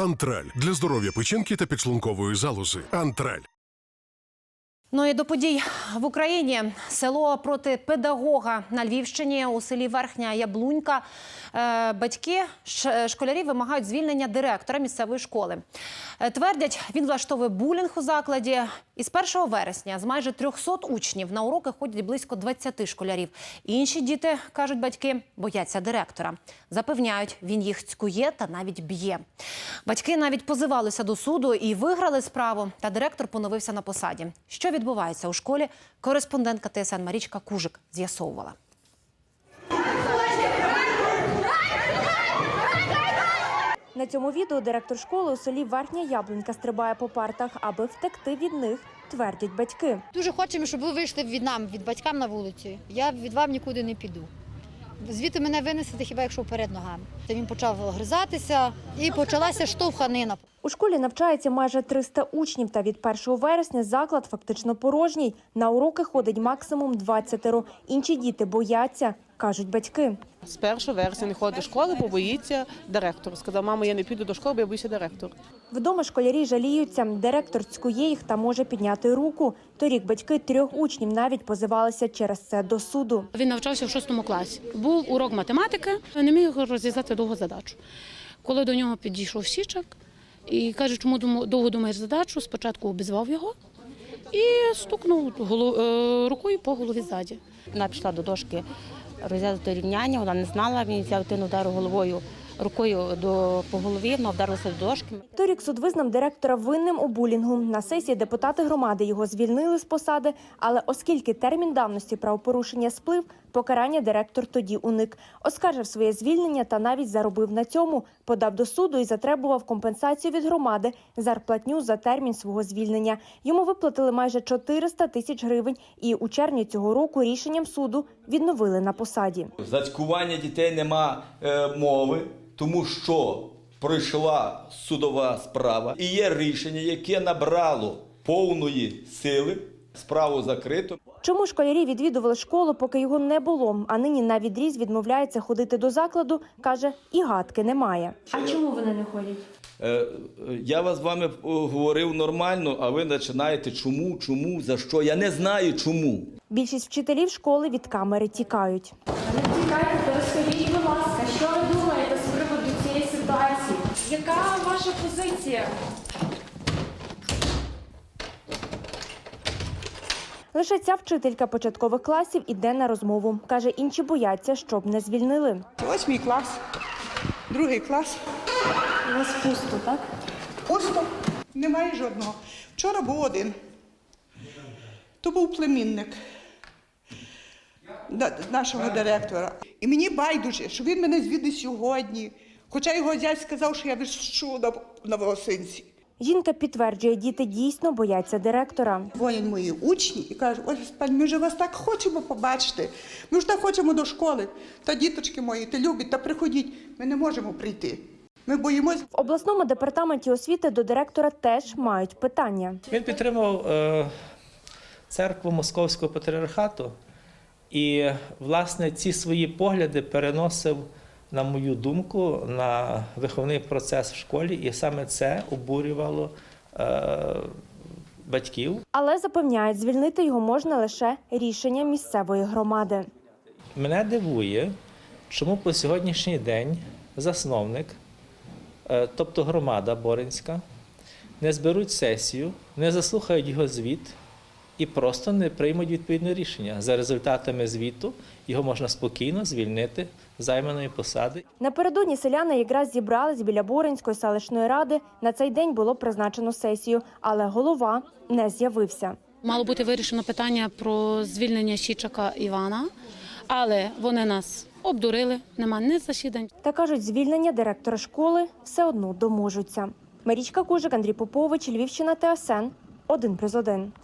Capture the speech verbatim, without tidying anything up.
Антраль – для здоров'я печінки та підшлункової залози. Антраль. Ну і до подій в Україні. Село проти педагога на Львівщині, у селі Верхня Яблунька. Батьки школярів вимагають звільнення директора місцевої школи. Твердять, він влаштовує булінг у закладі. І з першого вересня з майже трьохсот учнів на уроки ходять близько двадцяти школярів. Інші діти, кажуть батьки, бояться директора. Запевняють, він їх цькує та навіть б'є. Батьки навіть позивалися до суду і виграли справу, та директор поновився на посаді. Що відбувається у школі, кореспондентка Т С Н Марічка Кужик з'ясовувала. На цьому відео директор школи у селі Верхня Яблунька стрибає по партах, аби втекти від них, твердять батьки. Дуже хочемо, щоб ви вийшли від нам, від батькам на вулицю. Я від вам нікуди не піду. Звідти мене винесете хіба якщо вперед ногами. Він почав гризатися і почалася штовханина. У школі навчається майже триста учнів, та від першого вересня заклад фактично порожній. На уроки ходить максимум двадцятеро. Інші діти бояться, кажуть батьки. З першого вересня не ходить до школи, бо боїться директор. Сказав, мамо, я не піду до школи, бо я боюся директора. Вдома школярі жаліються. Директор цькує їх та може підняти руку. Торік батьки трьох учнів навіть позивалися через це до суду. Він навчався в шостому класі. Був урок математики, не міг розв'язати довгу задачу. Коли до нього підійшов Січак і каже, чому довго думаєш задачу, спочатку обізвав його і стукнув рукою по голові ззаді. Вона пішла до дошки розв'язати рівняння, вона не знала, він взяв тину, удару головою, рукою до, по голові, вона вдарилася до дошки. Торік суд визнав директора винним у булінгу. На сесії депутати громади його звільнили з посади, але оскільки термін давності правопорушення сплив, покарання директор тоді уник. Оскаржив своє звільнення та навіть заробив на цьому. Подав до суду і затребував компенсацію від громади, зарплатню за термін свого звільнення. Йому виплатили майже чотириста тисяч гривень і у червні цього року рішенням суду відновили на посаді. За цькування дітей нема е, мови, тому що пройшла судова справа і є рішення, яке набрало повної сили, справу закрито. Чому школярі відвідували школу, поки його не було, а нині на відріз відмовляється ходити до закладу, каже, і гадки немає. А чому вони не ходять? Е, я вас з вами говорив нормально, а ви починаєте чому, чому, за що. Я не знаю чому. Більшість вчителів школи від камери тікають. Не тікайте, то розкажіть, будь ласка, що ви думаєте з приводу цієї ситуації? Яка ваша позиція? Лише ця вчителька початкових класів іде на розмову. Каже, інші бояться, щоб не звільнили. Ось мій клас, другий клас. У вас пусто, так? Пусто, немає жодного. Вчора був один. То був племінник нашого директора. І мені байдуже, що він мене звідти сьогодні. Хоча його зять сказав, що я вишу на, на волосинці. Жінка підтверджує, діти дійсно бояться директора. Дзвонять мої учні і кажуть, ось, пані, ми вже вас так хочемо побачити. Ми ж так хочемо до школи. Та діточки мої, ти любить, та приходіть. Ми не можемо прийти. Ми боїмось. В обласному департаменті освіти до директора теж мають питання. Він підтримував е, церкву Московського патріархату і, власне, ці свої погляди переносив, на мою думку, на виховний процес в школі, і саме це обурювало е, батьків. Але запевняють, звільнити його можна лише рішенням місцевої громади. Мене дивує, чому по сьогоднішній день засновник, е, тобто громада Боринська, не зберуть сесію, не заслухають його звіт і просто не приймуть відповідне рішення. За результатами звіту його можна спокійно звільнити з займаної посади. Напередодні селяни якраз зібрались біля Боринської селищної ради. На цей день було призначено сесію, але голова не з'явився. Мало бути вирішено питання про звільнення Січака Івана, але вони нас обдурили, нема ні засідань. Та кажуть, звільнення директора школи все одно доможуться. Марічка Кужик, Андрій Попович, Львівщина, Т С Н, один плюс один.